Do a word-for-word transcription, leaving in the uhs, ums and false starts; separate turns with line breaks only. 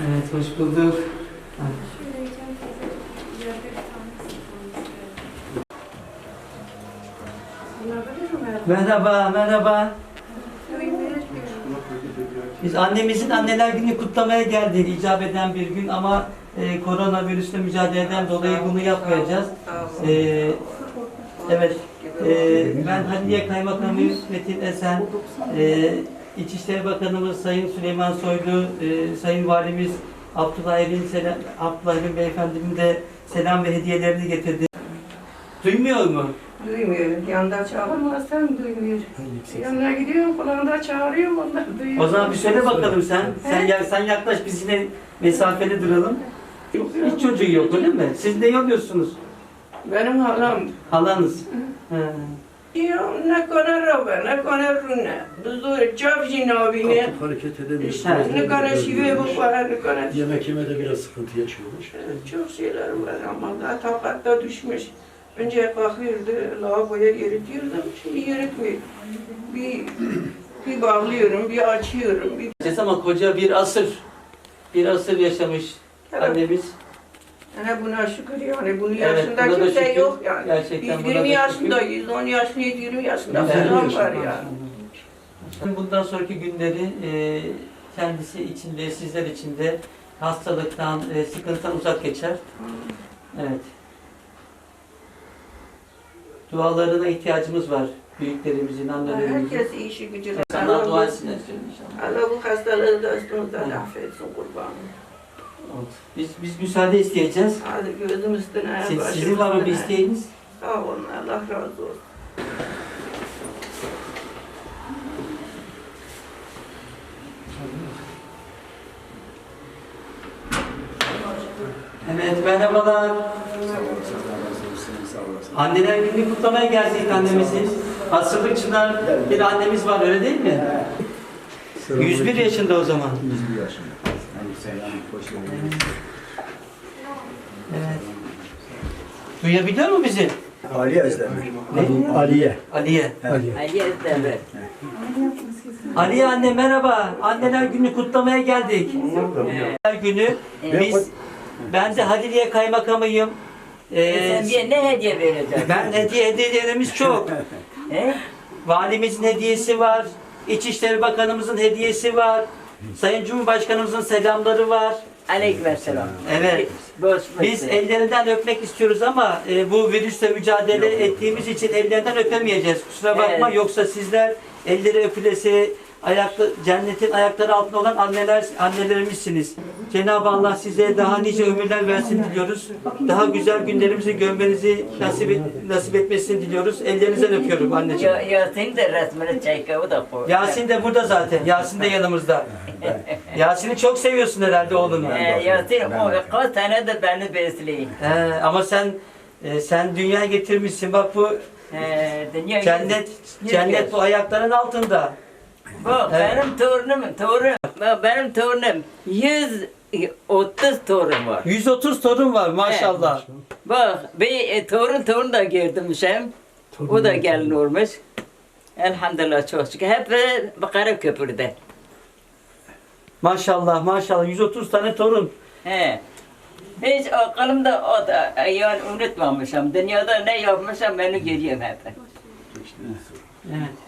Evet, hoş bulduk. Merhaba, merhaba. Biz annemizin Anneler Günü kutlamaya geldik, icap eden bir gün ama e, koronavirüsle mücadeleden dolayı bunu yapmayacağız. E, evet, e, ben Haliliye Kaymakamı Metin Esen, e, İçişleri Bakanımız Sayın Süleyman Soylu, e, Sayın Valimiz Abdullah Evin, selam, Abdullah Evin Beyefendimin de selam ve hediyelerini getirdi. Duymuyor mu?
Duymuyor. Yanında çağırmazsan duymuyor. Yanına gidiyorum, kulağında çağırıyorum, onlar duyuyor.
O zaman bir söyle bakalım sen. Sen, ya, sen yaklaş, biz yine mesafeli duralım. Hiç çocuğu yok öyle mi? Siz ne oluyorsunuz?
Benim halam.
Halanız. He.
Diyor, ne kadar roba, ne kadar rune. Duzu, çavcı nabine.
Kalkıp hareket edemiyor.
Ha.
Ne kadar şive bu para, ne kadar.
Yemek yemede biraz sıkıntı yaşıyormuş.
Çok şeyler var ama da takatta düşmüş. Önce kalkıyordu, lavaboya eritiyordum, şimdi eritmiyor. Bir, bir bağlıyorum, bir açıyorum, bir...
Ama koca bir asır, bir asır yaşamış annemiz.
Yani buna şükür yani, bunun
Evet,
yaşında
buna da
kimse
şükür.
yok yani.
Gerçekten
Biz
buna da
yirmi
şükür.
yaşındayız, on yaşlıyız, yirmi yaşında
Evet,
falan
yirmi
var
yaşında.
ya.
Bundan sonraki günleri e, kendisi için de sizler için de hastalıktan, e, sıkıntıdan uzak geçer. Evet. Dualarına ihtiyacımız var. Büyüklerimizin, annelerimizin.
Herkes işi gücü.
Sana
Allah,
dua etsinler inşallah.
Allah bu hastalığı da üstümüzden affetsin kurbanım.
Oldu. Biz biz müsaade isteyeceğiz.
Hadi gözüm üstüne,
Siz,
başım
sizin var mı bir
üstüne.
isteğiniz?
Sağ olun, Allah razı olsun.
Evet, merhabalar. Anneler Günü kutlamaya geldik annemizin. Asırlık çınar bir annemiz var, öyle değil mi? yüz bir yaşında o zaman.
yüz bir yaşında. Yani selam, hoş geldiniz.
Evet. Duyabiliyor mu bizi?
Aliye Özdemir.
Ne?
Aliye.
Aliye.
Aliye.
Ali Özdemir.
Aliye anne merhaba. Anneler Günü kutlamaya geldik. Anneler Günü biz, ben de Haliliye Kaymakamıyım. Ee,
Sen bir ne hediye vereceksin?
ben hediye hediyelerimiz çok.
He?
Valimizin hediyesi var. İçişleri Bakanımızın hediyesi var. Sayın Cumhurbaşkanımızın selamları var.
Aleykümselam.
Evet.
Boş
Biz ellerinden öpmek istiyoruz ama e, bu virüsle mücadele ettiğimiz için ellerinden öpemeyeceğiz. Kusura bakma.
Evet.
Yoksa sizler elleri öpülesi, ayakta, cennetin ayakları altında olan anneler annelerimizsiniz. Cenab-ı Allah size daha nice ömürler versin diliyoruz. Daha güzel günlerimizi görmenizi nasip, et, nasip etmesini diliyoruz. Ellerinizden öpüyorum anneciğim.
Ya, Yasin de resmini çek, o da koy.
Yasin de burada zaten. Yasin de yanımızda. Yasin'i çok seviyorsun herhalde oğlunu.
Ee, Yasin o kaç tane de beni besliyor.
He, ama sen e, sen dünya getirmişsin. Bak bu
Ee, dünya
cennet
yüz-
cennet
yüz-
bu ayakların altında.
Bak
Evet.
benim torunum, torun. Bak benim torunum yüz otuz torun var.
yüz otuz torun var maşallah.
Bak bir e, torun torun da girdimişim. O da gelin olmuş. Elhamdülillah çok şükür. Hep e, Bakara Köprü'de.
Maşallah maşallah yüz otuz tane torun.
He. Hiç aklımda o da yani unutmamışım. Dünyada ne yapmışım beni görüyorum hep.
Evet.